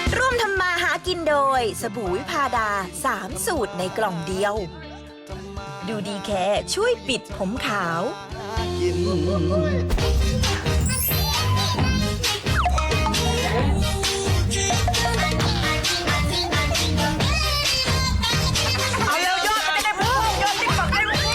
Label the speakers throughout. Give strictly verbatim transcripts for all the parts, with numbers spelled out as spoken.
Speaker 1: ร่วมทำมาหากินโดยสบู่วิพาดาสามสูตรในกล่องเดียว ดูดีแค่ช่วยปิดผมขาว
Speaker 2: เอาเร็วยอดมันจะได้พุ่งยอดติ๊กต็อกได้พุ่ง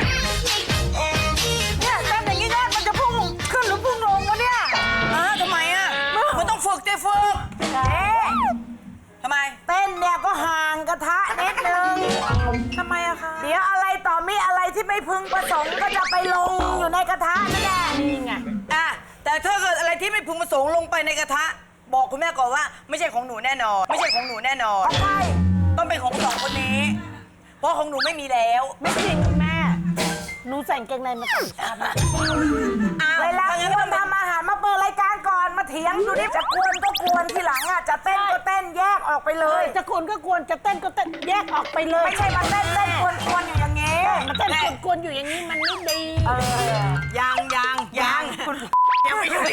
Speaker 2: เนี่ยเต้นอย่างนี้ยอดมันจะพุ่งขึ้นหรือพุ่งลงวะเนี่ยอ้าทำไมอ่ะมันต้องฝึกเต้ฝึกทำไมเต้นเนี่ยก็ห่างกระทะนิดนึงทำไมอะคะเดี๋ยวอะไรต่อมีอะไรที่ไม่พึงประสงค์ก็จะไปลงอยู่ในกระทะนั่นแหละนี่ไงอ่ะแต่ถ้าเกิดอะไรที่ไม่พึงประสงค์ลงไปในกระทะบอกคุณแม่ก่อนว่าไม่ใช่ของหนูแน่นอนไม่ใช่ของหนูแน่นอนใช่ต้องเป็นของสองคนนี้เพราะของหนูไม่มีแล้วไม่จริงคุณแม่หนูใส่กางเกงในมาสองชั้นเวลาควรทำอาหารมาเปิดรายการก่อนมาเถียงดูดิจะกวนก็กวนทีหลังอ่ะจะเต้นก็เต้นแยกออกไปเลยจะกวนก็กวนจะเต้นก็เต้นแยกออกไปเลยไม่ใช่มาเต้นเต้นกวนกวนอยู่อย่างงี้มาเต้นกวนกวนอยู่อย่างนี้มันไม่ดียังยังยังยังไม่อยู่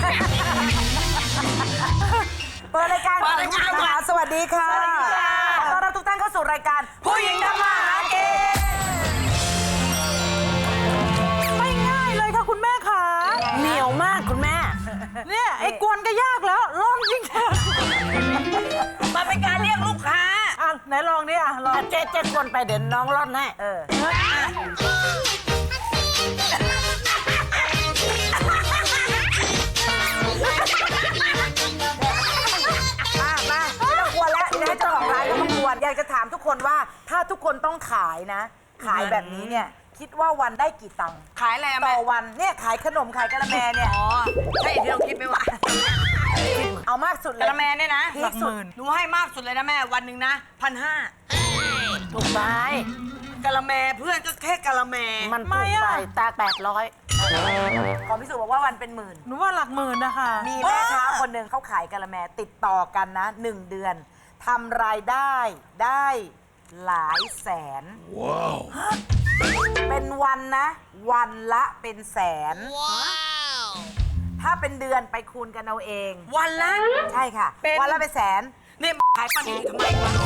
Speaker 2: เปิดรายการคุณผู้ชมค่ะสวัสดีค่ะขอต้อนรับทุกท่านเข้าสู่รายการผู้หญิงทำมาหากินไม่ง่ายเลยค่ะคุณแม่ค่ะเหนียวมากคุณแม่เนี่ยไอ้กวนก็ยากแล้วลองจริงมันเป็นการเรียกลูกค้าอ่ะไหนลองดิอ่ะลองเจ๊เจ๊กวนไปเดี๋ยวน้องร่อนให้เออเจ้าของร้านก็มากวนอยากจะถามทุกคนว่าถ้าทุกคนต้องขายนะ ขายแบบนี้เนี่ยคิดว่าวันได้กี่ตังค์ขายอะไรต่อวันเนี่ยขายขนมขายกะละแมเนี่ยอ๋อใช่ที่เราคิดไหมวะเอามากสุดเลยกะละแมเนี่ยนะหลักหมื่นหนูให้มากสุดเลยนะแม่วันหนึ่งนะพันห้าถูกไปกะละแมเพื่อนก็แค่กะละแมมันถูกไปตาแปดร้อยขอพิสูจน์บอกว่าวันเป็นหมื่นหนูว่าหลักหมื่นนะคะมีแม่ค้าคนหนึ่งเขาขายกะละแมติดต่อกันนะหนึ่งเดือนทำรายได้ได้หลายแสนว้าวเป็นวันนะวันละเป็นแสนว้าวถ้าเป็นเดือนไปคูณกันเอาเองวันละใช่ค่ะวันละเป็นแสนนี่ขายปลาหนีทำไม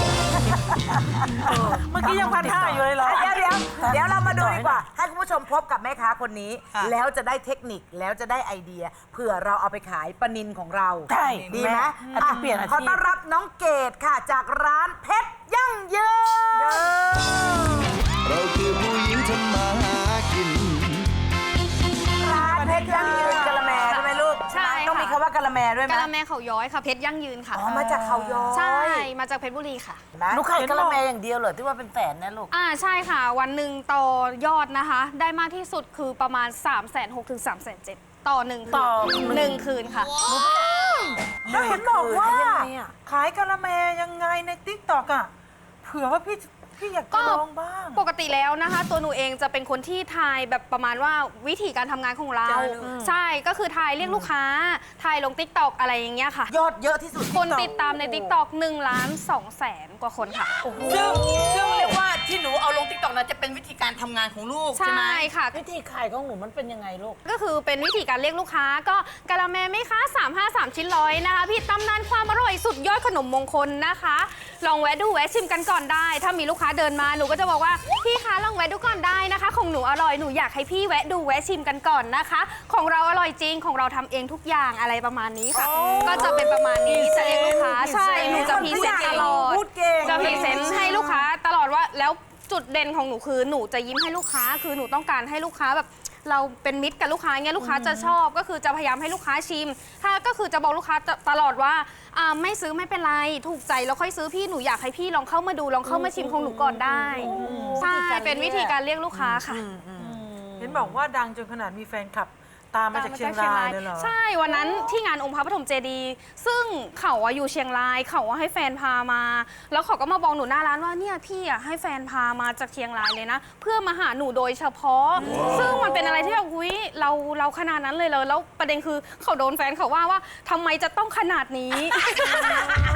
Speaker 2: เมื่อกี้ยังพันห้าอยู่เลยเหรอเดี๋ยวเดี๋ยวเดี๋ยวเรามาดูดีกว่าให้คุณผู้ชมพบกับแม่ค้าคนนี้แล้วจะได้เทคนิคแล้วจะได้ไอเดียเผื่อเราเอาไปขายปลานิลของเราใช่ดีไหมอาจจะเปลี่ยนอาชีพขอต้อนรับน้องเกดค่ะจากร้านเพชรยั่งยืน
Speaker 3: เราคือผู้หญิงทำมาหากิน
Speaker 2: ร้านเพชรยั่งยืนกะละแมใช่ไหมลูกใช่ต้องมีคำว่ากะละแมด้วยไหม
Speaker 4: กะละแมเขาย้อยค่ะเพชรยั่งยืนค่ะ
Speaker 2: อ๋อมาจากเขาย้อย
Speaker 4: ใช่มาจากเพชรบุรีค่ะ
Speaker 2: ลูกขายกะละแมอย่างเดียวเหรอที่ว่าเป็นแสนนะลูก
Speaker 4: อ่าใช่ค่ะวันหนึ่งต่อยอดนะคะได้มากที่สุดคือประมาณ สามแสนหก ถึง สามแสนเจ็ด ต่อหนึ่งต่อหนึ่งคืนค่ะ
Speaker 2: แล้วเห็นบอกว่าขายกะละแมยังไงในติ๊กต็อกอ่ะเผื่อว่าพี่พี่อยากจะลองบ้าง
Speaker 4: ปกติแล้วนะคะตัวหนูเองจะเป็นคนที่ทายแบบประมาณว่าวิธีการทำงานของเราใช่ก็คือทายเรียกลูกค้าทายลง ติ๊กต็อก อะไรอย่างเงี้ยค่ะ
Speaker 2: ยอดเยอะที่สุด
Speaker 4: คนติดตามใน ติ๊กต็อก หนึ่งล้านสองแสนกว่าคนค่ะ
Speaker 2: ซึ่งซึ่งเรียกว่าที่หนูเอาลง ติ๊กต็อก นั้นจะเป็นวิธีการทำงานของลูกใช่ไหม
Speaker 4: ใช่ค่ะ
Speaker 2: วิธีขายของหนูมันเป็นยังไงลูก
Speaker 4: ก็คือเป็นวิธีการเรียกลูกค้าก็กะละแมไหมคะสามห้าสามชิ้นร้อยนะคะพี่ตำนานความอร่อยสุดยอดขนมมงคลนะคะลองแวะดูแวะชิมกันก่อนได้ถ้ามีลูกค้าเดินมาหนูก็จะบอกว่าพี่คะลองแวะดูก่อนได้นะคะของหนูอร่อยหนูอยากให้พี่แวะดูแวะชิมกันก่อนนะคะของเราอร่อยจริงของเราทำเองทุกอย่างอะไรประมาณนี้ค่ะก็จะเป็นประมาณนี้จะเรียกลูกค้าใช่หนูจะพรีเซนต์ตลอดจะพรีเซนต์ให้ลูกค้าตลอดว่าแล้วจุดเด่นของหนูคือหนูจะยิ้มให้ลูกค้าคือหนูต้องการให้ลูกค้าแบบเราเป็นมิตรกับลูกค้าเงี้ยลูกค้าจะชอบก็คือจะพยายามให้ลูกค้าชิมถ้าก็คือจะบอกลูกค้าตลอดว่าไม่ซื้อไม่เป็นไรถูกใจแล้วค่อยซื้อพี่หนูอยากให้พี่ลองเข้ามาดูลองเข้ามาชิมของหนูก่อนได้ใช่เป็นวิธีการเรียกลูกค้าค่ะ
Speaker 2: เห็นบอกว่าดังจนขนาดมีแฟนคลับตามมาจากเชียงรายเลยเหรอ
Speaker 4: ใช่วันนั้นที่งานองค์พระปฐมเจดีย์ซึ่งเขาอยู่เชียงรายเขาให้แฟนพามาแล้วเขาก็มาบอกหนูหน้าร้านว่าเนี่ยพี่อ่ะให้แฟนพามาจากเชียงรายเลยนะเพื่อมาหาหนูโดยเฉพาะซึ่งมันเป็นอะไรที่แบบอุ้ยเราเราขนาดนั้นเลยเลยแล้วประเด็นคือเขาโดนแฟนเขาว่าว่าทำไมจะต้องขนาดนี้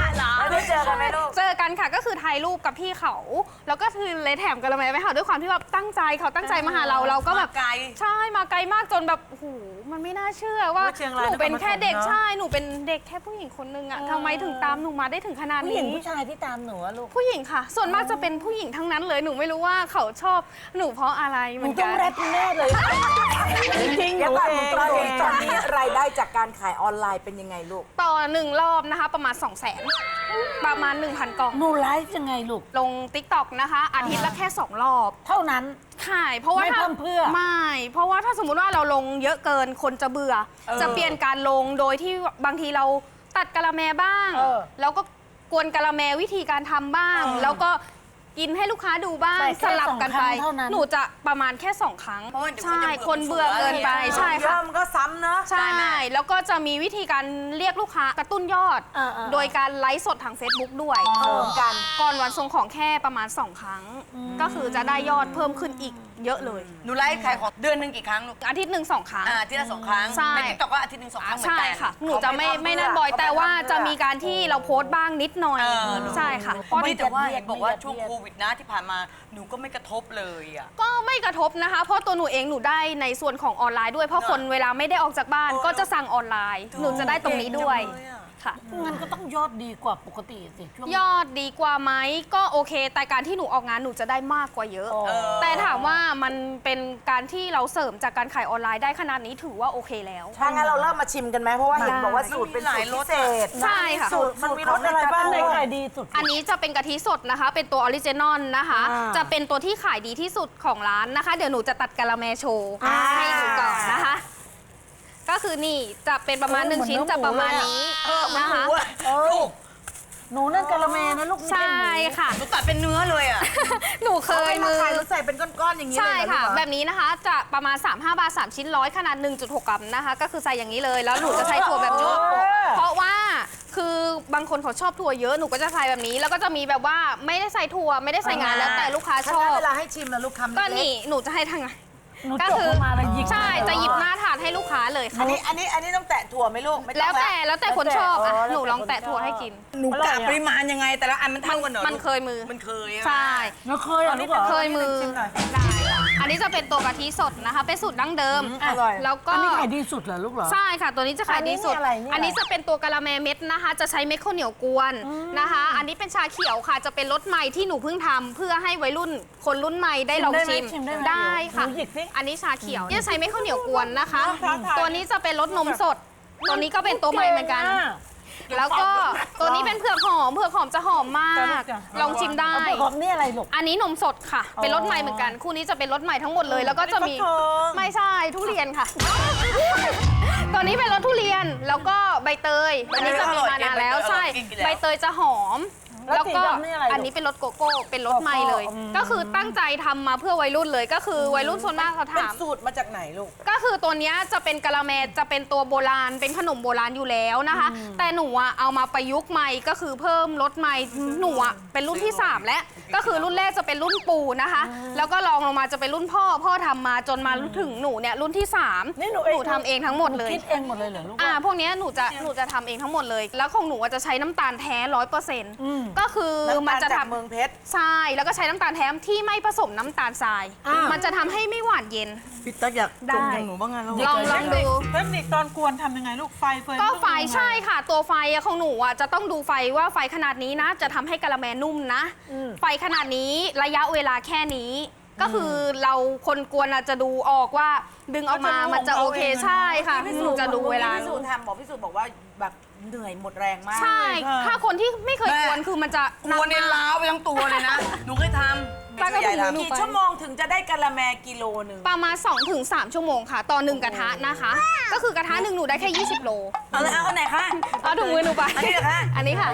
Speaker 2: แล้วได้เจอกันไหมลูก
Speaker 4: เจอกันค่ะก็คือถ่ายรูปกับพี่เขา แล้วก็คือเลยแถมกะละแมไปค่ะด้วยความที่แบบตั้งใจเขาตั้งใจมาหาเราเราก็แบบ
Speaker 2: มาไกล
Speaker 4: ใช่มาไกลมากจนแบบโอ้โหมันไม่น่าเชื่อว่า
Speaker 2: ว่าเชียงราย
Speaker 4: หนูเป็นแค่เด็ก
Speaker 2: นครปฐมเนอะ
Speaker 4: ใช่หนูเป็นเด็กแค่ผู้หญิงคนนึงอะทำไมถึงตามหนูมาได้ถึงขนาด
Speaker 5: ผู้ห
Speaker 4: นี้
Speaker 5: ญิงผู้ชายที่ตามหนูอะลูก
Speaker 4: ผู้หญิงค่ะ ส่วนมากจะเป็นผู้หญิงทั้งนั้นเลยหนูไม่รู้ว่าเขาชอบหนูเพราะอะไรเห
Speaker 5: ห
Speaker 4: มื
Speaker 5: นู
Speaker 4: อน
Speaker 5: ต้
Speaker 4: กั
Speaker 5: อง
Speaker 4: น
Speaker 5: แรปแน่เลยจริงๆห
Speaker 2: เดี๋ย
Speaker 5: นู
Speaker 2: วก่อน
Speaker 5: เอง
Speaker 2: ตอน
Speaker 5: หนู
Speaker 2: นี้
Speaker 5: เอง
Speaker 2: ตอนนี้รายได้จากการขายออนไลน์เป็นยังไงลูก
Speaker 4: ต่อหนึ่งรอบนะคะประมาณ สองแสน ประมาณ หนึ่งพัน กล่อง
Speaker 5: หนูไลฟ์ยังไงลูก
Speaker 4: ลง ติ๊กต็อก นะคะ อาทิตย์ละแค่ สอง รอบ
Speaker 5: เท่านั้น
Speaker 4: ขายเพราะว่า
Speaker 5: ไม่
Speaker 4: ถ้า
Speaker 5: เพิ่มเพื่อ
Speaker 4: ไม่ เพราะว่าถ้าสมมุติว่าเราลงเยอะเกินคนจะเบื่อ
Speaker 2: เออ
Speaker 4: จะเปลี่ยนการลงโดยที่บางทีเราตัดกะละแมบ้าง
Speaker 5: เออ
Speaker 4: แล้วก็กวนกะละแมวิธีการทำบ้าง
Speaker 5: เออ
Speaker 4: แล้วก็กินให้ลูกค้าดูบ้าง
Speaker 5: แต่แค่
Speaker 4: สลับกันไป
Speaker 5: สองครั้งเท่านั้น
Speaker 4: หนูจะประมาณแค่สองครั้ง
Speaker 2: เพราะว่าเดี๋ยว
Speaker 4: ใช่
Speaker 2: จะ
Speaker 4: คนเบื่อเกินไปใช่
Speaker 2: เย
Speaker 4: ค่ะ
Speaker 2: อะมันก็ซ้ำเนอะ
Speaker 4: ใช่ แล้วก็จะมีวิธีการเรียกลูกค้ากระตุ้นยอด
Speaker 5: เออเออ
Speaker 4: โดยการไลฟ์สดทาง Facebook ด้วย
Speaker 2: เออกัน
Speaker 4: ก่อนวันส่งของแค่ประมาณ สอง ครั้ง ก็คือจะได้ยอดเพิ่มขึ้นอีกเยอะเลย
Speaker 2: หนูไลฟ์ขายของเดือนหนึ่งกี่ครั้งลูก
Speaker 4: อาทิตย์หนึ่งสองครั้ง
Speaker 2: อ่าที่ละสองครั้ง
Speaker 4: ใช่
Speaker 2: ในติ๊กต็อกก็อาทิตย์หนึ่งสองครั้งเหมือน
Speaker 4: ใช่
Speaker 2: กัน
Speaker 4: ค่ะ หนูจะไม่ไม่นั่นบ่อย แต่ว่าจะมีการที่เราโพสต์บ้างนิดหน่อย
Speaker 2: เออ
Speaker 4: ใช่ค่ะ
Speaker 2: เพราะนี่แต่ว่า
Speaker 5: ไม่ยั
Speaker 2: เห็
Speaker 5: ด
Speaker 2: น
Speaker 5: เยียด
Speaker 2: บอกว่า
Speaker 5: ไม่ยัด
Speaker 2: ช่วง
Speaker 5: เยียด
Speaker 2: โควิดนะที่ผ่านมาหนูก็ไม่กระทบเลยอ่ะ
Speaker 4: ก็ไม่กระทบนะคะ เพราะตัวหนูเองหนูได้ในส่วนของออนไลน์ด้วย เพราะคนเวลาไม่ได้ออกจากบ้าน
Speaker 2: เออ
Speaker 4: ก็จะสั่งออนไลน์ หนูจะได้ตรงนี้ด้วย
Speaker 2: เก่งจังเลยอะ
Speaker 4: ค่ะ
Speaker 5: งั้นก็ต้องยอดดีกว่าปกติสิช่วง
Speaker 4: ยอดดีกว่าไหมก็โอเค แต่การที่หนูออกงานหนูจะได้มากกว่าเยอะ
Speaker 5: อ๋อ
Speaker 4: แต่ถามว่ามันเป็นการที่เราเสริมจากการขายออนไลน์ได้ขนาดนี้ถือว่าโอเคแล้ว
Speaker 2: ถ้างั้นเราเริ่มมาชิมกันไหมเพราะว่าเห็นบอกว่าสูตรเป็นสูตรพิเศษ
Speaker 4: ใช่ค่ะ
Speaker 2: สูตรมันมีรสอะไรบ้าง
Speaker 5: อันไหน
Speaker 2: ลูก
Speaker 5: ขายดีสุด
Speaker 4: อันนี้จะเป็นกะทิสดนะคะ เป็นตัวออริจินอลนะคะ
Speaker 5: อ่า
Speaker 4: จะเป็นตัวที่ขายดีที่สุดของร้านนะคะ เดี๋ยวหนูจะตัดกะละแมโชว์
Speaker 5: อ่า
Speaker 4: ให้ดูก่อนนะคะ ก็คือนี่จะเป็นประมาณหนึ่งชิ้นจะประมาณนี้
Speaker 2: เออมัน
Speaker 4: นะ
Speaker 2: หมู
Speaker 4: คะ
Speaker 2: อ่ะ
Speaker 5: เออ
Speaker 2: ลูก
Speaker 5: หนูนั่นกะละแมนะลูกไม่
Speaker 4: ใช่
Speaker 5: ใช่หมู
Speaker 4: ค่ะ
Speaker 2: หนูตัดเป็นเนื้อเลยอ่ะ
Speaker 4: หนูเคยมือ
Speaker 2: ขายแล้วใส่เป็นก้อนๆอย่างนี้เลย
Speaker 4: ใช่
Speaker 2: เหรอ
Speaker 4: ค่ะ
Speaker 2: ลูกเหรอ
Speaker 4: แบบนี้นะคะจะประมาณ สามสิบห้า บาท สาม ชิ้นร้อยขนาด หนึ่งจุดหก กรัมนะคะ ก็คือใส่อย่างนี้เลย แล้วหนูจะใช้ถั่วแบบนี้ เพราะว่าคือบางคนเขาชอบถั่วเยอะ หนูก็จะใส่แบบนี้ แล้วก็จะมีแบบว่าไม่ได้ใส่ถั่วไม่ได้ใส่งานแล้วแต่ลูกค้าช
Speaker 2: ถ้า
Speaker 4: อ
Speaker 2: งั้น
Speaker 4: บ
Speaker 2: เวลาให้ชิมนะลูกคำ
Speaker 4: ก็
Speaker 2: เล็
Speaker 4: นี่
Speaker 2: ก
Speaker 4: หนูจะให้ทางไง
Speaker 5: หนู
Speaker 4: ก็
Speaker 5: จบ
Speaker 4: คือ
Speaker 5: มาแล้วหยิบ
Speaker 4: ใช่จะหยิบหน้าถาดให้ลูกค้าเลยค่ะ
Speaker 2: อันนี้อันนี้อันนี้ต้องแตะถั่วไหมลูกไม่ต้
Speaker 4: แล้
Speaker 2: อ
Speaker 4: ว
Speaker 2: ง
Speaker 4: แต่แล้วแต่คนชอบอ่ะหนูลองแตะถั่วให้กิน
Speaker 2: หนูกะปริมาณยังไงแต่ละอันมันเท่ากันเหรอ
Speaker 4: มันเคยมือ
Speaker 2: มันเคยอะ
Speaker 4: ใช่
Speaker 5: แล้วเคยเหรอลูกเหรอ
Speaker 4: เคยมือ
Speaker 2: ชิมหน่อย
Speaker 4: ได้ค่ะอันนี้จะเป็นตัวกะทิสดนะคะ เป็นสูตรดั้งเดิม
Speaker 2: อร่อย
Speaker 4: แล้วก็
Speaker 5: อันนี้ขายดีสุดเหรอลูกเหรอ
Speaker 4: ใช่ค่ะ ตัวนี้จะขายดีสุด
Speaker 5: อันนี้อะไรเนี่ย
Speaker 4: อันนี้จะเป็นตัวกะละแมเม็ดนะคะ จะใช้เม็ดข้าวเหนียวกวนนะคะ อันนี้เป็นชาเขียวค่ะ จะเป็นรสใหม่ที่หนูเพิ่งทำเพื่อให้วัยรุ่นคนรุ่นใหม่ได้ลองชิม
Speaker 5: ชิมได้ไหม
Speaker 4: ได้ค่ะ
Speaker 5: หนูหยิบสิ
Speaker 4: อันนี้ชาเขียวจะใช้เม็ดข้าวเหนียวกวนนะคะ
Speaker 2: ครับครับ
Speaker 4: ตัวนี้จะเป็นรสนมสด ตัวนี้ก็เป็นตัวใหม่เหมือนกัน แล้วก็ตัวนี้เป็นเผือกหอม เผือกหอมจะหอมมาก ลองชิมได้
Speaker 5: เอาของนี่อะไรลูก
Speaker 4: อันนี้นมสดค่ะ เป็นรสใหม่เหมือนกัน คู่นี้จะเป็นรสใหม่ทั้งหมดเลย แล้วก็จะมี ไม่ใช่ทุเรียนค่ะ ตัวนี้เป็นรสทุเรียน แล้วก็ใบเตย อันนี้จะมีมานานแล้วใช่ ใบเตยจะหอม
Speaker 5: แล้ว
Speaker 4: แล้วก็
Speaker 5: สีดำนี่อะไรลูก
Speaker 4: อันนี้เป็นรสโกโก้ เป็นรสใหม่เลย
Speaker 5: อืม
Speaker 4: ก็คือตั้งใจทำมาเพื่อวัยรุ่นเลย ก็คือวัยรุ่นส่วนมากเขา
Speaker 2: เป็น
Speaker 4: ถาม
Speaker 2: สูตรมาจากไหนลูก
Speaker 4: ก็คือตัวเนี้ยจะเป็นกะละแมจะเป็นตัวโบราณเป็นขนมโบราณอยู่แล้วนะคะ แต่หนูอะเอามาประยุกต์ใหม่ก็คือเพิ่มรสใหม่หนูอะเป็นรุ่นที่สามแล้วก็คือรุ่นแรกจะเป็นรุ่นปู่นะคะ แล้วก็รองลงมาจะเป็นรุ่นพ่อพ่อทำมาจนมาถึงหนูเนี่ยรุ่นที่สาม
Speaker 5: นี่หนู
Speaker 4: หนูทำเองทั้งหมดเลย
Speaker 5: คิดเองหมดเลยเหรอลูก
Speaker 4: อ่าพวกเนี้ยหนูจะหนูจะทำเองทั้งหมดเลย แล้วของหนูอะจะใช้น้ำตาลแท้ร้อยเปอร์เซ็นต์ก็คือมันจะ
Speaker 2: จาก
Speaker 4: ทำ
Speaker 2: เมืองเพชร
Speaker 4: ใช่แล้วก็ใช้น้ำตาลแท้ที่ไม่ผสมน้ำตาลทราย
Speaker 5: อ่ามั
Speaker 4: มันจะทำให้ไม่หวานเย็น
Speaker 2: พี่ตั๊กอยาก
Speaker 4: ได้
Speaker 2: จมอย่างหนูบ้างไงลูก
Speaker 4: ลองลองดู
Speaker 6: เทคนิคตอนกวนทำยังไงลูกไฟเฟิร์น
Speaker 4: ก็ไฟ
Speaker 6: ต้องทำยังง
Speaker 4: ใช่ค่ะ ตัวไฟอะของหนูอะจะต้องดูไฟว่าไฟขนาดนี้นะ จะทำให้กะละแมนุ่มนะ ไฟขนาดนี้ระยะเวลาแค่นี้ ก็คือเราคนกวนอะจะดูออกว่าดึงออกมามันจะโอเคใช่ค่ะหนูจะดูเวลา
Speaker 2: พี่สูตรทำบอกพี่สูตรบอกว่าแบบเหนื่อยหมดแรงมาก
Speaker 4: ใช่ ถ้าคนที่ไม่เคยกวนคือมันจะ
Speaker 2: กวนในล้าวไปทั้งตัวเลยนะ หนูเคยทำ
Speaker 4: ป้าก็ถือหนู
Speaker 2: กี่
Speaker 4: ไป
Speaker 2: ชั่วโมงถึงจะได้กะละแมกิโลหนึ่ง
Speaker 4: ประมาณ สองถึงสาม ชั่วโมงค่ะ ต่อหนึ่งกระทะนะคะ ก็คือกระทะหนึ่งหนูได้แค่ ยี่สิบ โล
Speaker 2: เอาเลยเอาอันไหนคะ
Speaker 4: เอาถุงมือหนูไป
Speaker 2: อันนี้เหรอคะ
Speaker 4: อันนี้ค่ะ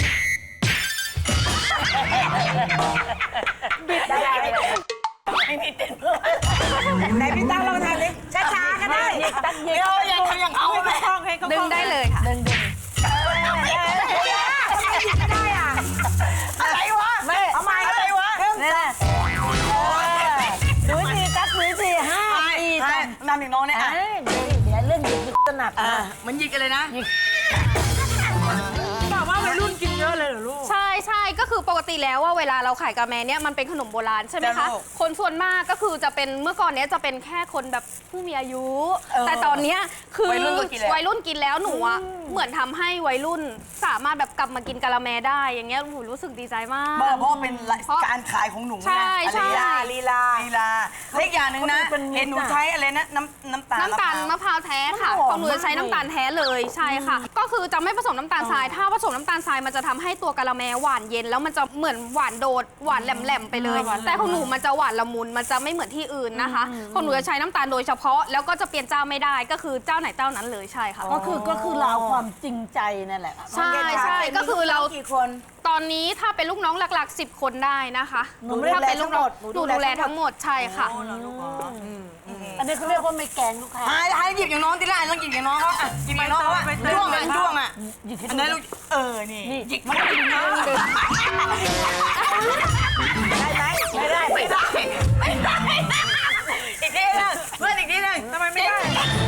Speaker 2: ไม่มีเต้นเพิ่มไหนพี่ตั้งลองทำดิช้าๆก็ได้เดี๋ยวอย่าทำอย่างเขา
Speaker 6: ให้
Speaker 2: แม่
Speaker 6: เขาคล่องให้เขาค
Speaker 4: ดึ
Speaker 6: ล่
Speaker 4: ง
Speaker 6: อง
Speaker 4: ได้เลยค่ะ
Speaker 2: อะไรวะ
Speaker 5: แม่
Speaker 2: ทำไมอะไรวะ
Speaker 5: นี่แหละหนูสี่ตักหนูสี่ห้า
Speaker 2: ใช่
Speaker 5: สี่
Speaker 2: ใช่นำอย่างน้องเนี่ย
Speaker 5: อ่ะ
Speaker 2: อ่ะ
Speaker 5: เดี๋ยวเรื่องหยิบถนัด
Speaker 2: อ่ะ
Speaker 5: นะ
Speaker 2: มันยิงกันเลยนะ
Speaker 6: บอกว่าวัยรุ่นกินเยอะเลยเหรอลูก
Speaker 4: คือปกติแล้วว่าเวลาเราขายกะละแมเนี่ยมันเป็นขนมโบราณใช่ไหมคะคนส่วนมากก็คือจะเป็นเมื่อก่อนเนี้ยจะเป็นแค่คนแบบผู้มีอายุ แต่ตอนเนี้ยคือ
Speaker 2: วัยรุ่นก็กินแล้ว
Speaker 4: วัยรุ่นกินแล้วหนูอะเหมือนทำให้วัยรุ่นสามารถแบบกลับมากินกะละแมได้อย่างเงี้ยหนูรู้สึกดีใจมาก
Speaker 2: เพราะเป็นการขายของหนู
Speaker 4: ใช่
Speaker 2: ไง
Speaker 4: ใช่
Speaker 2: ลีลาลีลาเล็กอย่างหนึ่งนะเห็นหนูใช้อะไรนะน้ำน้ำตาล
Speaker 4: น้ำตาลมะพร้าวแท้ค่ะของหนูจะใช้น้ำตาลแท้เลยใช่ค่ะ ก็คือจะไม่ผสมน้ำตาลทรายถ้าผสมน้ำตาลทรายมันจะทำให้ตัวกะละแมหวานเย็นแล้วมันจะเหมือนหวานโดดหวานแหลมๆไปเลย แต่ของหนูมันจะหวานละมุนมันจะไม่เหมือนที่อื่นนะคะของหนูจะใช้น้ำตาลโดยเฉพาะแล้วก็จะเปลี่ยนเจ้าไม่ได้ก็คือเจ้าไหนเจ้านั้นเลยใช่ค่ะ
Speaker 5: ก็คือก็คือเราเอาความจริงใจนั่นแหละ
Speaker 4: ใช่ใช่ก็คือเรา
Speaker 2: กี่คน
Speaker 4: ตอนนี้ถ้าเป็นลูกน้องหลักๆสิบคนได้นะคะ
Speaker 5: หนูดูแล
Speaker 4: ถ้าเป็นลูกน้อง
Speaker 5: ทั้งหมด
Speaker 4: หนูดูแลทั้งหมดใช่ค่ะ
Speaker 5: อันนี้เขาเรียกว่าไม่แกงลูกค้า
Speaker 2: หายหายหยิบอย่างน้องที่ไรต้องหยิบอย่างน้องเขาอ่ะหยิบอย่างน้องเขาอ่ะด้วงอ่ะด้วงอ่ะ
Speaker 5: หยิบให้
Speaker 2: อัน
Speaker 5: ดู
Speaker 2: นั้นลูกเออนี่หยิบมาหยิบน้องได้ไหมไม่ได้ไม่ได้ไม่ได้อีกทีนึงเพื่อนอีกทีนึงทำไมไม่ได้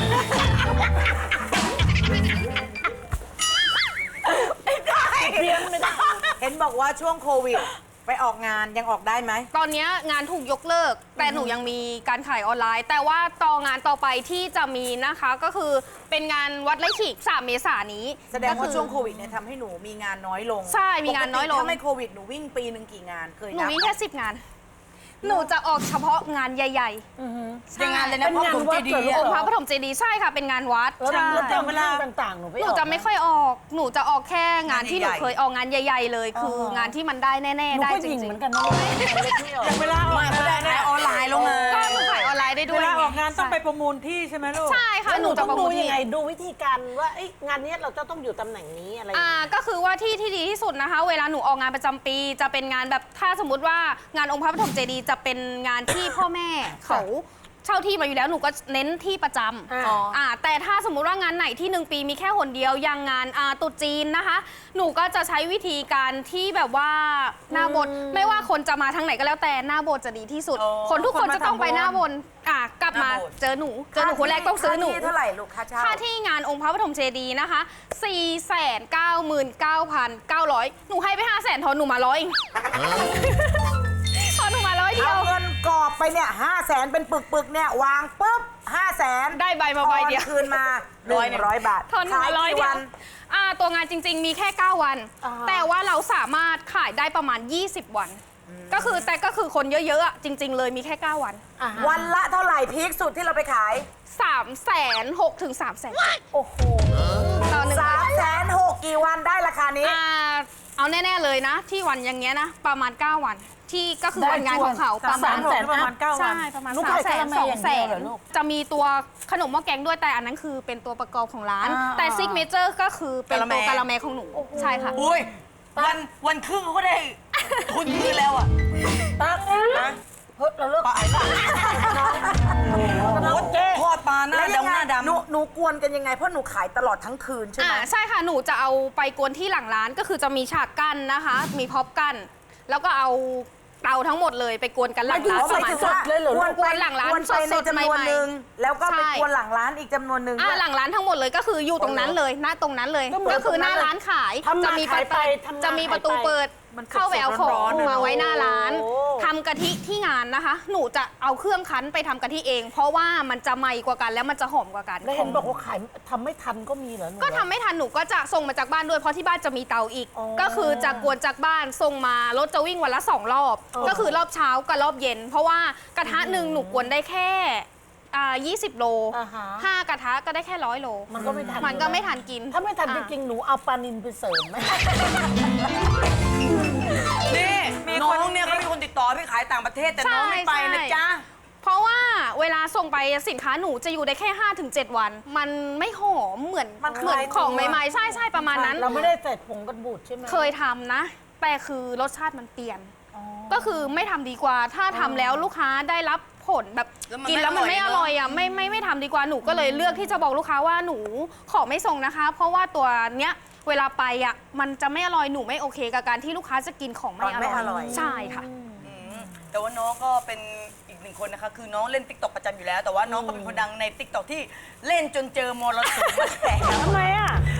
Speaker 2: ไม่ได้เพียงไม่ได้เห็นบอกว่าช่วงโควิดไปออกงานยังออกได้ไหม
Speaker 4: ตอนนี้งานถูกยกเลิก แต่หนูยังมีการขายออนไลน์ แต่ว่าต่องานต่อไปที่จะมีนะคะก็คือเป็นงานวัดไร่ขิงสามเมษายนนี้
Speaker 2: แสดงว่า
Speaker 4: ก็คือ
Speaker 2: ช่วงโควิดเนี่ยทำให้หนูมีงานน้อยลง
Speaker 4: ใช่มีงานน้อยลง
Speaker 2: ปกติถ้าไม่โควิดหนูวิ่งปีหนึ่งกี่งานเคย
Speaker 4: หนู
Speaker 2: นับ
Speaker 4: มีแค่สิบงาน หนูจะออกเฉพาะงานใหญ่
Speaker 2: เป็นงานเลยนะเพราะผมเจดี
Speaker 4: ๆ
Speaker 2: ย์
Speaker 4: องค์พระปฐมเจดีย์ใช่ค่ะเป็นงานวัด
Speaker 5: แล้ว
Speaker 4: ใช่
Speaker 5: แล้วแต่เวลาต่างๆหนูไม่
Speaker 4: หนูจะไม่ค่อยออก หนูจะออกแค่งานที่หนูเคยออกงานใหญ่ ๆ เลย คืองานที่มันได้แน่
Speaker 5: หนู
Speaker 4: ๆได้
Speaker 5: ก็
Speaker 4: จ
Speaker 5: ยิง
Speaker 4: ริ
Speaker 5: เห
Speaker 4: ง
Speaker 5: มือนกันนะเล็กไม่ออก
Speaker 6: เวลาออก
Speaker 2: ไม่เขาได้ขายออนไลน์ลงมา
Speaker 4: ๆก็หนูขายออนไลน์ได้ด้
Speaker 6: เว
Speaker 4: วย
Speaker 6: ลาออกงานต้องไปประมูลที่ใช่ไหมลูก
Speaker 4: ใช่ค่ะ
Speaker 5: แล้ว
Speaker 4: ห
Speaker 5: ห
Speaker 4: นู
Speaker 5: นู
Speaker 4: จะ
Speaker 5: ต้อง
Speaker 4: ประ
Speaker 5: ดู
Speaker 4: มูล
Speaker 5: ยังไง
Speaker 4: ที่
Speaker 5: ดูวิธีการว่าเอ้ยงานนี้เราจะต้องอยู่ตำแหน่งนี้อะไรอย่าง
Speaker 4: อ่า
Speaker 5: เงี้ย
Speaker 4: ก็คือว่าที่ที่ดีที่สุดนะคะ เวลาหนูออกงานประจำปี จะเป็นงานแบบถ้าสมมติว่างานองค์พระปฐมเจดีย์จะเป็นงานที่พ่อแม่เขาเช่าที่มาอยู่แล้วหนูก็เน้นที่ประจำ
Speaker 5: อ่า
Speaker 4: อ่าแต่ถ้าสมมุติว่างานไหนที่หนึ่งปีมีแค่หนเดียวอย่างงานอาตรุษจีนนะคะ หนูก็จะใช้วิธีการที่แบบว่าหน้าบนไม่ว่าคนจะมาทางไหนก็แล้วแต่หน้าโบสถ์จะดีที่สุด
Speaker 2: อ๋อ
Speaker 4: คนทุกคน
Speaker 6: คนมา
Speaker 4: จะต้องไป
Speaker 6: ทำบุญ
Speaker 4: หน้าบนอ่ะกลับมา
Speaker 2: หน้าโบสถ์
Speaker 4: เจอหนูเจอหนูคนแรกต้องซื้อหนู
Speaker 2: ค่าที่เท่าไหร่ลูกค่าเช่า
Speaker 4: ค่าที่งานองค์พระปฐมเจดีย์นะคะ สี่แสนเก้าหมื่นเก้าพันเก้าร้อย หนูให้ไป ห้าแสนทอนหนูมาร้อยเองทอนหนูมาร้อยเดีย
Speaker 2: เอา
Speaker 4: ว
Speaker 2: เงินกรอบไปเนี่ยห้าแสนเป็นปึกๆเนี่ยวางปุ๊บห้าแสน
Speaker 4: ได้ใบมาใบเดียว
Speaker 2: คืนมาหนึ่งร้อยบาท
Speaker 4: ทอนหนู
Speaker 2: ขาย
Speaker 4: มาร้อย
Speaker 2: กี่
Speaker 4: เดี
Speaker 2: วั
Speaker 4: ยวน อ่าตัวงานจริง ๆ มีแค่ เก้า วัน แต่ว่าเราสามารถขายได้ประมาณ ยี่สิบ วัน ก็คือแต่ก็คือคนเยอะๆอะจริง ๆ เลยมีแค่ เก้า วัน
Speaker 2: วันละเท่าไหร่พีคสุดที่เราไปขาย
Speaker 4: สามแสนหกถึงสามแสน
Speaker 5: โอ้โห
Speaker 4: ต่อหนึ่ง
Speaker 2: สา
Speaker 4: วั
Speaker 2: ม
Speaker 4: น
Speaker 2: แสนหกกี่วันได้ราคานี้
Speaker 4: อ่าเอาแน่ ๆ เลยนะ ที่วันอย่างเงี้ยนะ ประมาณ เก้า วัน ที่ก็คือวันงานของเขาประมาณ
Speaker 6: สามแสนประมาณเก้าวัน
Speaker 4: ใช่ประมาณ
Speaker 5: ลูก
Speaker 4: สาม
Speaker 5: ขาย
Speaker 4: แส
Speaker 5: กะ
Speaker 4: น
Speaker 5: ละแม
Speaker 4: สอง
Speaker 5: อย่าง
Speaker 4: แส
Speaker 5: เดียวน เหรอลูก
Speaker 4: จะมีตัวขนมหม้อแกงด้วยแต่อันนั้นคือเป็นตัวประกอบของร้าน
Speaker 5: อ่า
Speaker 4: แต่ซิกเนเจอร์ก็คือเป็นตัว
Speaker 2: กะ
Speaker 4: กะ
Speaker 2: ละ
Speaker 4: ละ
Speaker 2: แม
Speaker 4: แมของหนู ใช่ค่ะ
Speaker 2: อุ้ยวันวันครึ่งเขาก็ได้ทุนคืนแล้วอ่ะ
Speaker 5: ตั๊กเฮ้ยเราเลิกขายก่อน
Speaker 2: โอ้โหทอดปลาหน้าดำหน้าดำหนูหนูกวนกันยังไงเพราะหนูขายตลอดทั้งคืนใช่ไหม
Speaker 4: อ่าใช่ค่ะ หนูจะเอาไปกวนที่หลังร้านก็คือจะมีฉากกั้นนะคะ มีพ็อปกั้นแล้วก็เอาเตาทั้งหมดเลยไปกวนกันหลังร้าน
Speaker 2: ห
Speaker 4: ป
Speaker 2: มาย
Speaker 4: ระมาณ
Speaker 2: ถึงว่ากวน
Speaker 4: กวนหลังร้าน
Speaker 2: กวนไปใน
Speaker 4: สดๆ
Speaker 2: จำนวน
Speaker 4: ใหม่ๆ
Speaker 2: หนึ่งแล้วก็ไป
Speaker 4: ใช่
Speaker 2: กวนหลังร้านอีกจำนวนหนึ่ง
Speaker 4: อ่า
Speaker 2: ด้วย
Speaker 4: หลังร้านทั้งหมดเลยก็คืออยู่ตรงนั้นเลยหน้าตรงนั้นเลย
Speaker 5: ก็เหมือน
Speaker 4: ก็คือหน้า
Speaker 5: ตรงนั้นเลย
Speaker 4: ร้านขาย
Speaker 5: ทำมา
Speaker 4: จะมีประ
Speaker 5: ขายไป
Speaker 4: ตู
Speaker 5: ทำมา
Speaker 4: จะมีประตู
Speaker 5: ขายไป
Speaker 4: เปิด
Speaker 6: มันสดๆ
Speaker 4: เข้าไปเอาของ
Speaker 6: ร้อนๆอะ
Speaker 4: มาไว้หน้าร้าน
Speaker 5: โอ้
Speaker 4: ทำกะทิที่งานนะคะ หนูจะเอาเครื่องคั้นไปทำกะทิเอง เพราะว่ามันจะใหม่กว่ากันแล้วมันจะหอมกว่ากัน
Speaker 5: แล้วเห็นบอกว่าขายทำไม่ทันก็มีเหรอหนู
Speaker 4: ก็ทำไม่ทันหนูก็จะส่งมาจากบ้านด้วยเพราะที่บ้านจะมีเตาอีก
Speaker 5: อ๋อ
Speaker 4: ก็คือจะกวนจากบ้านส่งมารถจะวิ่งวันละสองรอบ
Speaker 5: อ๋อ
Speaker 4: ก็คือรอบเช้ากับรอบเย็น เพราะว่ากระทะหนึ่งหนูกวนได้แค่อ่ายี่สิบโล
Speaker 5: อ่าฮะ
Speaker 4: ห้ากระทะก็ได้แค่ร้อยโล
Speaker 5: มันก็ไม่ทัน
Speaker 4: มันก็ไม่ทันกิน
Speaker 5: ถ้าไม่ทันจ
Speaker 4: อ่ะ
Speaker 5: ริงๆหนูเอาปลานินไปเสริมไหม
Speaker 2: นี่น้องเนี่ยเขามีคนติดต่อไปขายต่างประเทศแต่น้องไม่ไปนะจ๊ะ
Speaker 4: เพราะว่าเวลาส่งไปสินค้าหนูจะอยู่ได้แค่ ห้าถึงเจ็ด วัน มันไม่หอมเหมือน
Speaker 2: มัน
Speaker 4: เหมือน
Speaker 2: คล้าย
Speaker 4: ของ
Speaker 2: ตัว
Speaker 4: ใหม่ๆใช่ใช่ประมาณนั้น
Speaker 5: เราไม่ได้ใส่ผงกันบูดใช่ไหม
Speaker 4: เคยทำนะ แต่คือรสชาติมันเปลี่ยน ก็คือไม่ทำดีกว่า ถ้าทำแล้วลูกค้าได้รับผลแบบ
Speaker 2: แล้วมัน
Speaker 4: กินแล้วมัน
Speaker 2: ไม่
Speaker 4: ไม่
Speaker 2: อ
Speaker 4: อ
Speaker 2: ร่
Speaker 4: ร่
Speaker 2: อ
Speaker 4: อย ย
Speaker 2: เนอะ
Speaker 4: อ่ะไม่ไม่ไม่ทำดีกว่าหนูก็เลยเลือกที่จะบอกลูกค้าว่าหนูขอไม่ส่งนะคะ เพราะว่าตัวเนี้ยเวลาไปอ่ะมันจะไม่อร่อยหนูไม่โอเคกับการที่ลูกค้าจะกินของไม่อ
Speaker 2: ไม่อร่
Speaker 4: ร่
Speaker 2: อ
Speaker 4: อย ยใช่ค่ะ
Speaker 2: แต่ว่าน้องก็เป็นอีกหนึ่งคนนะคะ คือน้องเล่นติ๊กต็อกประจำอยู่แล้ว แต่ว่าน้องก็เป็นคนดังในติ๊กต็อกที่เล่นจนเจอมรสุมมาแตก
Speaker 5: ทำไมอ่ะ
Speaker 2: ต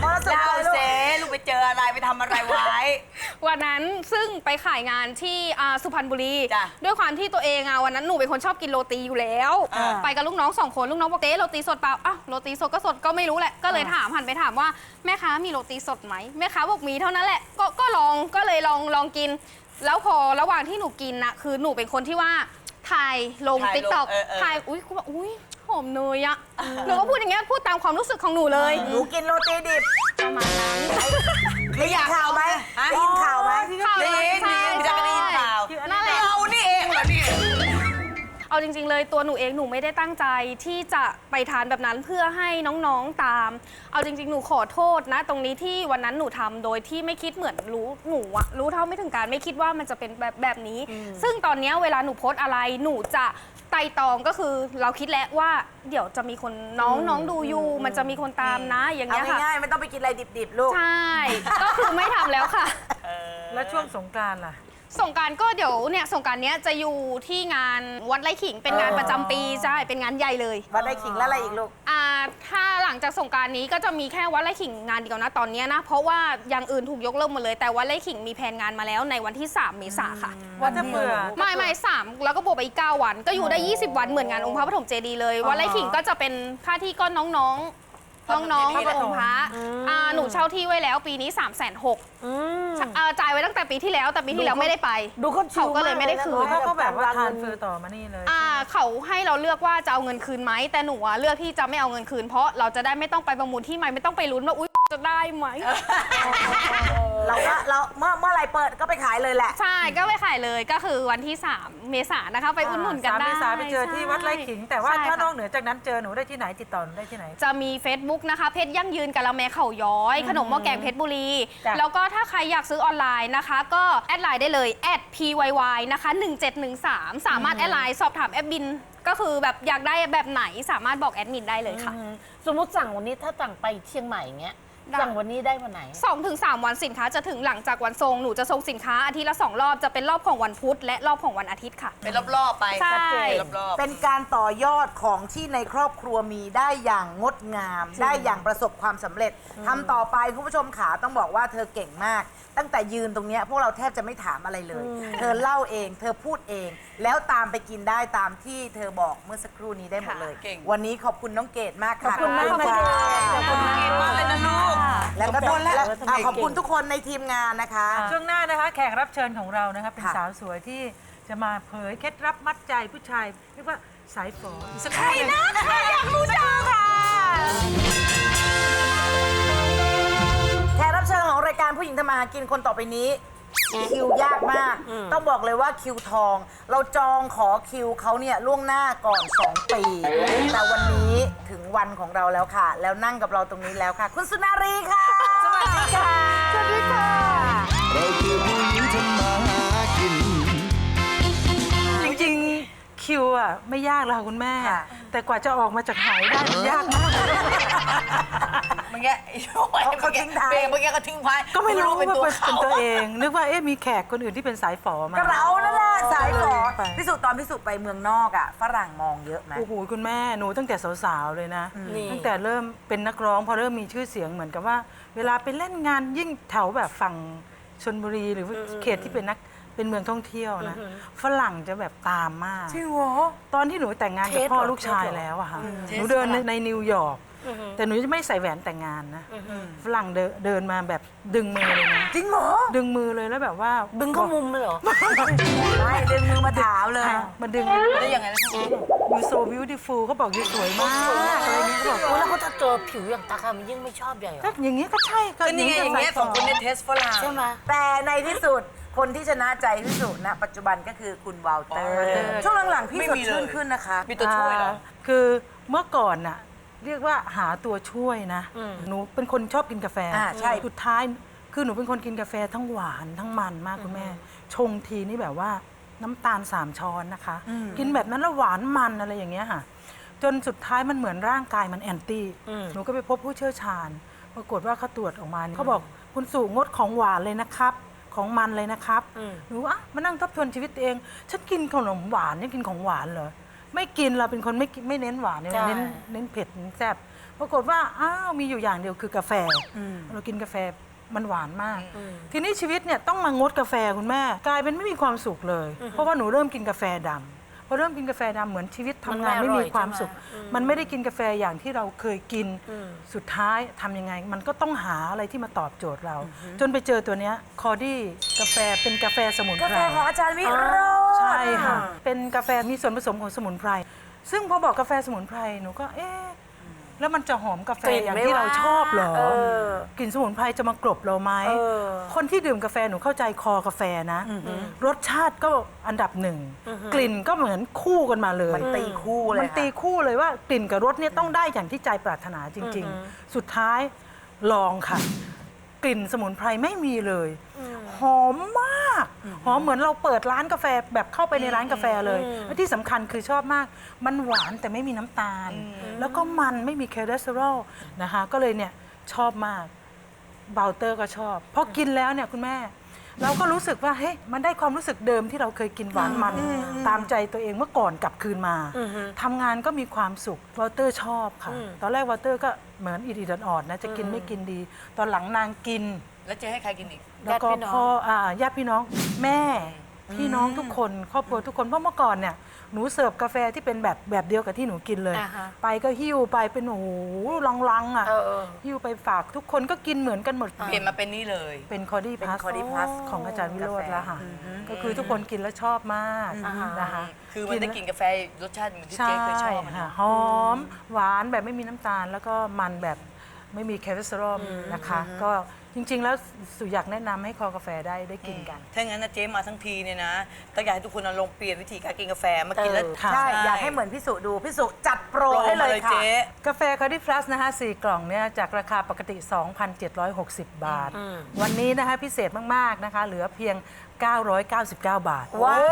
Speaker 2: มรสุม
Speaker 5: เล่า
Speaker 2: อะไรลูก
Speaker 5: เซลูกไปเจออะไรไปทำอะไรไว้
Speaker 4: วันนั้นซึ่งไปขายงานที่อ่าสุพรรณบุรี
Speaker 5: จ้ะ
Speaker 4: ด้วยความที่ตัวเองอ่ะวันนั้นหนูเป็นคนชอบกินโรตีอยู่แล้ว
Speaker 5: อ่า
Speaker 4: ไปกับลูกน้องสองคนลูกน้องบอกเจ๊โรตีสดเปล่าอ้าวโรตีสดก็สดก็ไม่รู้แหละก็เลยถามหันไปถามว่าแม่ค้ามีโรตีสดไหมแม่ค้าบอกมีเท่านั้นแหละก็ก็ลองก็เลยลองลองกิน แล้วพอระหว่างที่หนูกินน่ะคือหนูเป็นคนที่ว่าถ่ายลง
Speaker 5: ถ่ายลง
Speaker 4: ติ๊กต็อก
Speaker 5: เออเออ
Speaker 4: ถ่ายอุ้ยกูบอกอุ้ยหอมเนยอะหนูก็พูดอย่างเงี้ยพูดตามความรู้สึกของหนูเลย
Speaker 2: หนูกินโรตีดิบ
Speaker 4: ประมาณนั้น
Speaker 2: ได้ยินข่าวไหม
Speaker 5: ฮะ
Speaker 2: ได้ยินข่าวไหม
Speaker 4: ข่าว
Speaker 5: ได้ยิน
Speaker 4: ใช่
Speaker 5: ได้ยินจะไม่ได้ยินข่าว
Speaker 4: นั่นแหละ
Speaker 5: เรานี่เองเหรอนี่
Speaker 4: เอาจริงๆเลยตัวหนูเองหนูไม่ได้ตั้งใจที่จะไปทานแบบนั้นเพื่อให้น้องๆตาม เอาจริงๆหนูขอโทษนะ ตรงนี้ที่วันนั้นหนูทำโดยที่ไม่คิดเหมือนรู้หนูอะรู้เท่าไม่ถึงการไม่คิดว่ามันจะเป็นแบบแบบนี้ ซึ่งตอนเนี้ยเวลาหนูโพสต์อะไรหนูจะไต่ตองก็คือเราคิดแล้วว่าเดี๋ยวจะมีคนน้องน้องดูอยู่ มันจะมีคนตามนะอย่าง
Speaker 2: เอา
Speaker 4: เงี้ยค่ะ
Speaker 2: ง่ายๆไม่ต้องไปกินอะไรดิบๆลูก
Speaker 4: ใช่ ก็คือไม่ทำแล้วค่ะ
Speaker 6: แล้วช่วงสงกรานต์ล่ะ
Speaker 4: สงกรารก็เดี๋ยวเนี่ยสงกรารเนี้ยจะอยู่ที่งานวัดไร่ขิงเป็นงานประจำปีใช่เป็นงานใหญ่เลย
Speaker 2: วัดไร่ขิงแล้วอะไรอีกลูก
Speaker 4: อ่าถ้าหลังจากสงกรารนี้ก็จะมีแค่วัดไร่ขิงงานเดียวนะตอนเนี้ยนะเพราะว่าอย่างอื่นถูกยกเลิกหมดเลยแต่วัดไร่ขิงมีแผนงานมาแล้วในวันที่สามเมษาค่ะ
Speaker 6: ว่าจะเบื่อ
Speaker 4: ไม่ไม่สามแล้วก็บวกไปอีกเก้าวัน ก็อยู่ได้ยี่สิบวันเหมือนงานองค์พระปฐมเจดีย์เลยวัดไร่ขิงก็จะเป็นค่าที่ก็น้องๆน้องๆ
Speaker 5: พระปฐม
Speaker 4: องค์พระอ่าหนูเช่าที่ไว้แล้วปีนี้ สามแสนหกหมื่นจ่ายไว้ตั้งแต่ปีที่แล้วแต่ปีที่แล้วไม่ได้ไป
Speaker 2: ดูเขาชิล
Speaker 4: เขาก็เลยไม่ได้คืน
Speaker 6: เขาก็แบบว่าทานเฟอร์ต่อมานี่เลย
Speaker 4: อ่าเขาให้เราเลือกว่าจะเอาเงินคืนไหมแต่หนูอะเลือกที่จะไม่เอาเงินคืน เพราะเราจะได้ไม่ต้องไปประมูลที่ใหม่ไม่ต้องไปลุ้นว่าอุ๊ยจะได้ไหม
Speaker 2: เราก็เราเมื่อเมื่อไหรเปิดก็ไปขายเลยแหละ
Speaker 4: ใช่ก็ไปขายเลยก็คือวันที่ สาม เมษายนนะคะ ไปอุดหนุนกันได้
Speaker 6: สามเมษาไปเจอที่วัดไร่ขิง แต่ว่า
Speaker 4: ใช่
Speaker 6: ถ้า
Speaker 4: ค่ะ
Speaker 6: นอกเหนือจากนั้นเจอหนูได้ที่ไหนติดต่อหนูได้ที่ไหน
Speaker 4: จะมี Facebook นะคะเพชรยั่งยืนกะละแมเข่าย้อย ขนมหม้อแกงเพชรบุรี
Speaker 6: จ้ะ
Speaker 4: แล้วก็ถ้าใครอยากซื้อออนไลน์นะคะ ก็แอดไลน์ได้เลย แอด พี วาย วาย นะคะ หนึ่งเจ็ดหนึ่งสาม สามารถแอดไลน์สอบถามแอดบิน ก็คือแบบอยากได้แบบไหนสามารถบอกแอดมินได้เลยค่ะ
Speaker 7: สมมติสั่งวันนี้ถ้าสั่งไปเชียงใหม่อย่างเงี้ย
Speaker 4: ได้
Speaker 7: สั่งวันนี้ได้วันไหน
Speaker 4: สองถึงสามวันสินค้าจะถึงหลังจากวันทรงหนูจะส่งสินค้าอาทิตย์ละสองรอบจะเป็นรอบของวันพุธและรอบของวันอาทิตย์ค่ะ
Speaker 5: เป็นรอบๆไป
Speaker 4: ใช่
Speaker 5: ชัดเจนรอบๆ
Speaker 2: เป็นการต่อยอดของที่ในครอบครัวมีได้อย่างงดงาม ได้อย่างประสบความสำเร็จทำต่อไปคุณผู้ชมขาต้องบอกว่าเธอเก่งมาก ตั้งแต่ยืนตรงเนี้ยพวกเราแทบจะไม่ถามอะไรเลย เธอเล่าเอง เธอพูดเอง แล้วตามไปกินได้ตามที่เธอบอกเมื่อสักครู่นี้ได้หมดเลย
Speaker 5: เก่ง
Speaker 2: วันนี้ขอบคุณน้องเกดมากค่ะ
Speaker 7: ขอบคุณมาก
Speaker 2: ขอบคุณ
Speaker 7: ค่ะ
Speaker 2: ขอบคุณ
Speaker 5: เก่งมากเลยนะลูก
Speaker 2: แล้วก็
Speaker 5: ขอบคุณ
Speaker 2: และ
Speaker 5: แล้ว
Speaker 2: อ่ะขอบคุณทุกคนในทีมงานนะคะ
Speaker 6: ช่วงหน้านะคะแขกรับเชิญของเรานะคะเป็น
Speaker 2: ค่ะ
Speaker 6: สาวสวยที่จะมาเผยเคล็ดลับมัดใจผู้ชายเรียกว่าสายฝอ
Speaker 5: ใครนะใครอยากรู้จังค่ะ
Speaker 2: แขกรับเชิญของรายการผู้หญิงทำมาหากินคนต่อไปนี้ คิวยากมาก ต้องบอกเลยว่าคิวทอง เราจองขอคิวเขาเนี่ยล่วงหน้าก่อน สอง ปี แต่วันนี้ถึงวันของเราแล้วค่ะ แล้วนั่งกับเราตรงนี้แล้วค่ะ คุณสุนารีค่ะ สวัสดีค่ะ สวัสดีค่ะ
Speaker 3: เราคือผู้หญิงทำมาหากิน
Speaker 6: จริงๆคิวอ่ะไม่ยากแล้วค่ะคุณแม่
Speaker 2: ค่ะ
Speaker 6: แต่กว่าจะออกมาจากไหได้มันยากมาก
Speaker 5: เมื่อกี้ไอ้ช่วย
Speaker 2: เขาทิ้งท้าย
Speaker 5: เบรกเมื่อกี้เขาทิ้งท้าย
Speaker 6: ก็ไม่รู้
Speaker 5: เป็น
Speaker 6: ว่า
Speaker 5: ตัว
Speaker 6: เป็น
Speaker 5: เขา
Speaker 6: ตัวเอง นึกว่าเอ๊ะมีแขกคนอื่นที่เป็นสายฝอมา
Speaker 2: ก็เรานั่นแหละสายฝอ
Speaker 6: ไป
Speaker 2: พิสูจน์ตอนพิสูจน์ไปเมืองนอกอ่ะฝรั่งมองเยอะไหม
Speaker 6: โอ้โหคุณแม่หนูตั้งแต่สาวๆเลยนะ
Speaker 7: นี่
Speaker 6: ตั้งแต่เริ่มเป็นนักร้องพอเริ่มมีชื่อเสียงเหมือนกับว่า เวลาไปเล่นงานยิ่งแถวแบบฝั่งชลบุรีหรือเขตที่เป็นนักเป็นเมืองท่องเที่ยวนะฝรั่งจะแบบตามมาก
Speaker 2: จริงเหรอ
Speaker 6: ตอนที่หนูแต่งงานกับพ่อลูกชายแล้วอะค่ะหนูเดินในในนิวยอร์กแต่หนูจะไม่ใส่แหวนแต่งงานนะฝรั่งเดินเดินมาแบบดึงมือเลยนะ
Speaker 2: จริงเหรอ
Speaker 6: ดึงมือเลยแล้วแบบว่า
Speaker 7: ดึงเข้ามุมเลยเหรอ
Speaker 2: ไม่ดึงมือมาถามเลย
Speaker 6: มาดึง
Speaker 5: ได้ยังไงนะ
Speaker 6: you so beautiful เขาบอก you สวยมากอะไรเงี้ยเขาบอก
Speaker 7: โอ้แล้วเขาจะเจอผิวอย่างตาคามันยิ่งไม่ชอบใหญ่เหร
Speaker 6: ก็
Speaker 7: อ
Speaker 6: อย่างเงี้ยก็ใช่ก็
Speaker 5: ก็นี่ไงอย่างเงี้ยสองคนเนี่ยเทสฝรั่ง
Speaker 7: ใช่ไหม
Speaker 2: แต่ในที่สุดคนที่ชนะใจที่สุดณปัจจุบันก็คือคุณวาลเตอร์ ช่วงหลังๆพี่
Speaker 5: ไม่
Speaker 2: สด
Speaker 5: มีเลย
Speaker 2: ชื่นขึ้นนะคะ
Speaker 5: มีตัวช่วยเหรอ
Speaker 6: าคือเมื่อก่อนน่ะเรียกว่าหาตัวช่วยนะ หนูเป็นคนชอบกินกาแฟ
Speaker 2: อ่าใช่
Speaker 6: สุดท้ายคือหนูเป็นคนกินกาแฟทั้งหวานทั้งมันมากคุณแม่ ชงทีนี่แบบว่าน้ำตาลสามช้อนนะคะ กินแบบนั้นแล้วหวานมันอะไรอย่างเงี้ยค่ะ จนสุดท้ายมันเหมือนร่างกายมันแอนตี้ หนูก็ไปพบผู้เชี่ยวชาญ ปรากฏว่าเขาตรวจออกมาเนี่ยเขาบอกคุณสู่งดของหวานเลยนะครับ ของมันเลยนะครับ หนูอ่ะมานั่งทบทวนชีวิตตัวเอง ฉันกินขนมหวานนี่กินของหวานเหรอ ไม่กินเราเป็นคนไม่กินไม่เน้นหวานเนี่ย
Speaker 7: ใช่
Speaker 6: เน้นเน้นเผ็ดเน้นแซ่บปรากฏว่าอ้าวมีอยู่อย่างเดียวคือกาแฟเรากินกาแฟมันหวานมาก ทีนี้ชีวิตเนี่ยต้องมางดกาแฟคุณแม่กลายเป็นไม่มีความสุขเลย เพราะว่าหนูเริ่มกินกาแฟดำพอเริ่มกินกาแฟดำเหมือนชีวิตทำงานไม่มีความสุข มันไม่ได้กินกาแฟอย่างที่เราเคยกินสุดท้ายทำยังไง มันก็ต้องหาอะไรที่มาตอบโจทย์เรา จนไปเจอตัวเนี้ยคอดี้กาแฟเป็นกาแฟสมุนไพร
Speaker 2: กาแฟของอาจารย์วิโรจน์
Speaker 6: ใช่ค่ะเป็นกาแฟมีส่วนผสมของสมุนไพรซึ่งพอบอกกาแฟสมุนไพรหนูก็เอ๊ะแล้วมันจะหอมกาแฟอย่างที่เราชอบเหรอกลิ่นสมุนไพรจะมากลบเราไหมคนที่ดื่มกาแฟหนูเข้าใจคอกาแฟนะรสชาติก็อันดับหนึ่งกลิ่นก็เหมือนคู่กันมาเลย
Speaker 2: มันตีคู่เลย
Speaker 6: มันตีคู่เลยว่ากลิ่นกับรสเนี่ยต้องได้อย่างที่ใจปรารถนาจริง ๆ สุดท้ายลองค่ะ กลิ่นสมุนไพรไม่มีเลยหอมมากหอมเหมือนเราเปิดร้านกาแฟแบบเข้าไปในร้านกาแฟเลยและที่สำคัญคือชอบมาก มันหวานแต่ไม่มีน้ำตาล แล้วก็มันไม่มีคอเลสเตอรอลนะคะก็เลยเนี่ยชอบมากเบลเตอร์ก็ชอบพอกินแล้วเนี่ยคุณแม่ เราก็รู้สึกว่าเฮ้ยมันได้ความรู้สึกเดิมที่เราเคยกินหวานมันตามใจตัวเองเมื่อก่อนกลับคืนมาทำงานก็มีความสุขวอเตอร์ชอบค่ะตอนแรกวอเตอร์ก็เหมือนอิดๆอ่อนๆนะจะกินไม่กินดี ตอนหลังนางกิน
Speaker 2: แล้วจะให้ใครกินอีก
Speaker 6: แล้วก็พ่ออ่าญาติพี่น้องแม่พี่น้องทุกคนครอบครัวทุกคนเพราะเมื่อก่อนเนี่ยหนูเสิร์ฟกาแฟที่เป็นแบบแบบเดียวกับที่หนูกินเลย ไปก็หิ้วไปเป็นโอ้โหลังๆอ่ะหิ้วไปฝากทุกคนก็กินเหมือนกันหมด
Speaker 2: เปลี่ยนมาเป็นนี่เลย
Speaker 6: เป็นคอดี้พลัส
Speaker 2: Cordy Plus
Speaker 6: ของอาจารย์วิโรจน์แล้วค่ะก็คือทุกคนกินแล้วชอบมากนะคะ
Speaker 2: คือมันได้กินกาแฟรสชาติเหมือนที่
Speaker 6: ใช่
Speaker 2: เจ๊เคยชอบอะ
Speaker 6: ค่ะ
Speaker 2: นะ
Speaker 6: หอมหวานแบบไม่มีน้ำตาล แล้วก็มันแบบไม่มีคอเลสเตอรอลนะคะ ก็จริง ๆ แล้วสุอยากแนะนำให้คอกาแฟได้ได้กินกัน
Speaker 2: ถ้างั้นนะเจ๊มาทั้งทีเนี่ยนะต้องอยากให้ทุกคนเอาลองเปลี่ยนวิธีการกินกาแฟมากินแล้ว
Speaker 6: ค่ะ
Speaker 5: ใช่ อยากให้เหมือนพี่สุดู พี่สุจัดโปร
Speaker 2: โปร
Speaker 5: ให้เล
Speaker 2: มาย เลย
Speaker 5: ค่ะ
Speaker 2: เจ๊
Speaker 6: กาแฟคอร์ดี้พลัสนะคะสี่กล่องเนี่ยจากราคาปกติ สองพันเจ็ดร้อยหกสิบ บาท วันนี้นะคะพิเศษมาก ๆ นะคะ เหลือเพียง เก้าร้อยเก้าสิบเก้า บาท
Speaker 5: ว้าว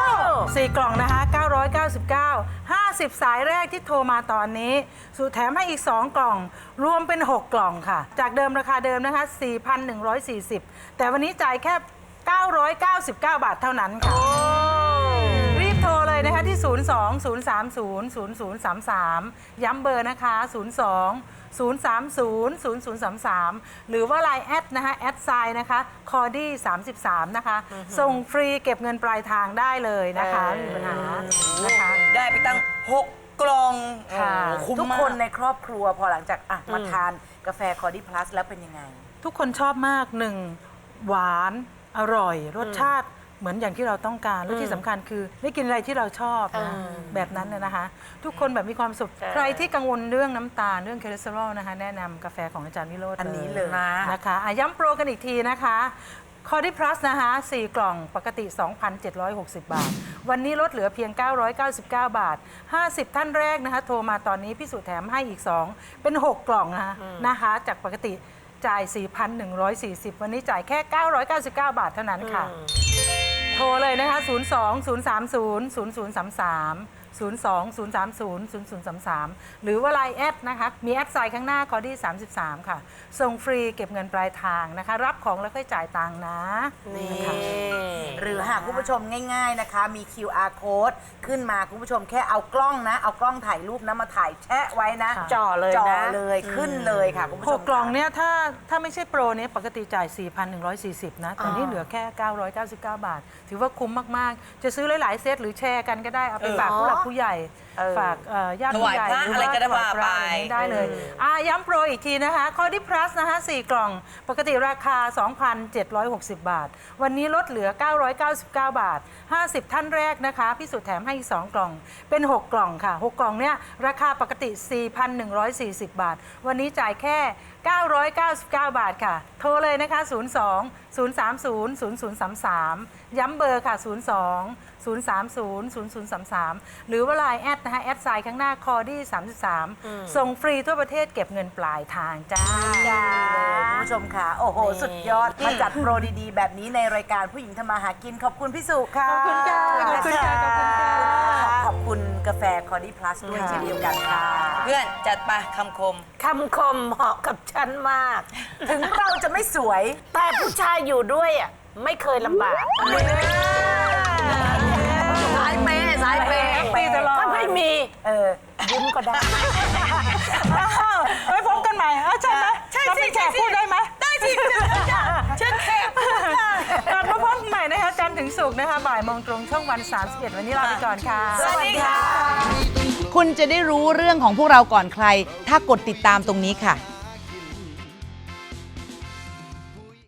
Speaker 6: สี่กล่องนะคะ เก้าร้อยเก้าสิบเก้า ห้าสิบ สายแรกที่โทรมาตอนนี้สุดแถมให้อีก สอง กล่อง รวมเป็น หก กล่องค่ะ จากเดิมราคาเดิมนะคะ สี่พันหนึ่งร้อยสี่สิบ แต่วันนี้จ่ายแค่ เก้าร้อยเก้าสิบเก้า บาทเท่านั้นค่ะ รีบโทรเลยนะคะที่ ศูนย์ สอง ศูนย์ สาม ศูนย์ ศูนย์ ศูนย์ สาม สาม ย้ำเบอร์นะคะ ศูนย์ สอง ศูนย์ สาม ศูนย์ ศูนย์ ศูนย์ สาม สาม หรือว่า ไลน์ แอดนะคะ แอดไซน์นะคะ คอร์ดี้สามสิบสาม นะคะ ส่งฟรีเก็บเงินปลายทางได้เลยนะคะไม่มีปัญหานะคะ
Speaker 2: ได้ไปตั้งหกกล่อง
Speaker 6: ค่ะ
Speaker 2: โอ้โหคุ้ม
Speaker 5: ทุก
Speaker 2: มา
Speaker 5: คน
Speaker 2: ก
Speaker 5: ในครอบครัวพอหลังจากอ่ะมาทานกาแฟคอร์ดี้พลัสแล้วเป็นยังไง
Speaker 6: ทุกคนชอบมากหนึ่งหวานอร่อย รสชาติเหมือนอย่างที่เราต้องการ และที่สำคัญคือได้กินอะไรที่เราชอบนะแบบนั้นน่ะนะคะ ทุกคนแบบมีความสุข ใครที่กังวลเรื่องน้ำตาลเรื่องคอเลสเตอรอลนะคะ แนะนำกาแฟของอาจารย์วิโรจน์
Speaker 5: อันนี้เลย
Speaker 6: นะคะอ่ะย้ำโปรกันอีกทีนะคะคอร์ดี้พลัสนะคะสี่กล่องปกติ สองพันเจ็ดร้อยหกสิบ บาท วันนี้ลดเหลือเพียง เก้าร้อยเก้าสิบเก้า บาท ห้าสิบ ท่านแรกนะคะ โทรมาตอนนี้พี่สุแถมให้อีก สอง เป็น หก กล่องนะคะนะคะจากปกติจ่าย สี่พันหนึ่งร้อยสี่สิบ วันนี้จ่ายแค่ เก้าร้อยเก้าสิบเก้า บาทเท่านั้นค่ะ โทรเลยนะคะ ศูนย์ สอง ศูนย์ สาม ศูนย์ ศูนย์ ศูนย์ สาม สาม ศูนย์ สอง ศูนย์ สาม ศูนย์ ศูนย์ ศูนย์ สาม สาม หรือว่า ไลน์ แอดนะคะ มีแอดไซน์ข้างหน้าคอร์ดี้สามสิบสาม ค่ะ ส่งฟรีเก็บเงินปลายทางนะคะ รับของแล้วค่อยจ่ายตังค์นะ
Speaker 5: นี่
Speaker 6: นะคะ
Speaker 5: หรือหากคุณผู้ชมง่าย ๆนะคะ มี คิว อาร์ code ขึ้นมาคุณผู้ชมแค่เอากล้องนะ เอากล้องถ่ายรูปนะมาถ่ายแชะไว้นะ
Speaker 6: ค่ะ
Speaker 5: จ่อเลยนะจ่อเลยขึ้นเลยค่ะคุณผู้
Speaker 6: ห
Speaker 5: ช
Speaker 6: ก
Speaker 5: ม
Speaker 6: กล่องเนี่ยถ้าถ้าไม่ใช่โปรเนี่ยปกติจ่าย สี่พันหนึ่งร้อยสี่สิบ นะ แต่นี่เหลือแค่ เก้าร้อยเก้าสิบเก้า บาท ถือว่าคุ้มมาก ๆ จะซื้อหลาย ๆ เซตหรือแชร์กันก็ได้ เอาไปฝากผู้หลักผู้ใหญ่ ฝากเอ่อญาติผู้ใหญ่
Speaker 2: ถวายพระ
Speaker 6: หรือ
Speaker 2: อะไรก็ได้
Speaker 6: ถวายพระ
Speaker 2: ว่าไป
Speaker 6: อะไรนี้ได้เลยอ่ะย้ำโปรอีกทีนะคะคอร์ดี้พลัสนะคะสี่กล่อง ปกติราคา สองพันเจ็ดร้อยหกสิบ บาท วันนี้ลดเหลือ เก้าร้อยเก้าสิบเก้า บาท ห้าสิบ ท่านแรกนะคะพี่สุแถมให้อีกสองกล่อง เป็น หก กล่องค่ะ หก กล่องเนี่ยราคาปกติ สี่พันหนึ่งร้อยสี่สิบ บาท วันนี้จ่ายแค่ เก้าร้อยเก้าสิบเก้า บาทค่ะ โทรเลยนะคะ ศูนย์ สอง ศูนย์ สาม ศูนย์ ศูนย์ ศูนย์ สาม สาม ย้ำเบอร์ค่ะ ศูนย์ สอง ศูนย์ สาม ศูนย์ ศูนย์ ศูนย์ สาม สาม หรือว่า ไลน์ แอดนะคะ แอดไซน์ข้างหน้าคอร์ดี้สามสิบสาม ส่งฟรีทั่วประเทศเก็บเงินปลายทางจ้า
Speaker 5: คุณผู้ชมค่ะ โอ้โห สุดยอด มาจัดโปรดีๆ แบบนี้ในรายการผู้หญิงทำมาหากิน ขอบคุณพี่สุค่ะ
Speaker 6: ขอบคุณค่ะขอบคุณค่ะขอบคุณค่ะ
Speaker 5: ขอบคุณกาแฟคอร์ดี้พลัสด้วย
Speaker 6: ค่ะ
Speaker 5: เช่นเดียวกันค่ะ
Speaker 2: เพื่อนจัดไปคำคม
Speaker 7: คำคมเหมาะกับฉันมาก
Speaker 5: ถึงเราจะไม่สวย
Speaker 7: แต่ผู้ชายอยู่ด้วยอ่ะไม่เคยลำบาก
Speaker 5: สายเปย์สายเปย์
Speaker 6: ปีตลอด
Speaker 7: ถ้าไม่มี
Speaker 5: เออ
Speaker 7: ยิ้มก็ได้
Speaker 6: ไว้พบกันใหม่ฮะใช่ไหม
Speaker 2: ใช่
Speaker 6: เรา
Speaker 2: สิ
Speaker 6: เป็นแข
Speaker 2: ใช่
Speaker 6: ก
Speaker 2: สิ
Speaker 6: พูดได้ไหม
Speaker 2: ได้สิเชิญค่ะเชิญแขกพูดค่ะ
Speaker 6: กลับมาพบกันใหม่นะคะจันทร์ถึงศุกร์นะคะบ่ายโมงตรงช่องวันสามสิบเอ็ดวันนี้ลาไปก่อนค่ะ
Speaker 2: สวัสดีค่ะ
Speaker 5: คุณจะได้รู้เรื่องของพวกเราก่อนใคร ถ้ากดติดตามตรงนี้ค่ะ